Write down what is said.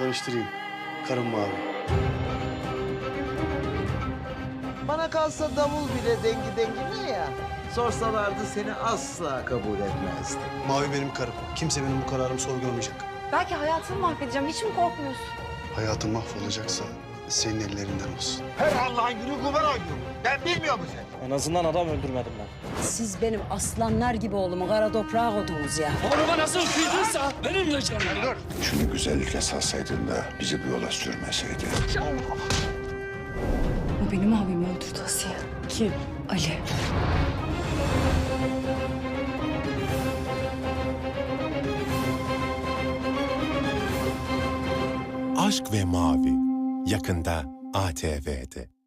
Tanıştırayım. Karım Mavi. Bana kalsa davul bile dengi dengine ya. Sorsalardı seni asla kabul etmezdim. Mavi benim karım. Kimse benim bu kararımı sorgulamayacak. Belki hayatını mahvedeceğim. Hiç mi korkmuyorsun? Hayatım mahvolacaksa senin ellerinden olsun. Her Allah'ın günü kumar oynuyor. Ben bilmiyor musun sen? En azından adam öldürmedim ben. Siz benim aslanlar gibi oğlumu kara toprağa koydunuz ya. Oğluma nasıl kıydıysa benim de canım. Şunu güzellikle salsaydın da bizi bu yola sürmeseydin. O benim abimi öldürdü Asiye. Kim? Ali. Aşk ve Mavi yakında ATV'de.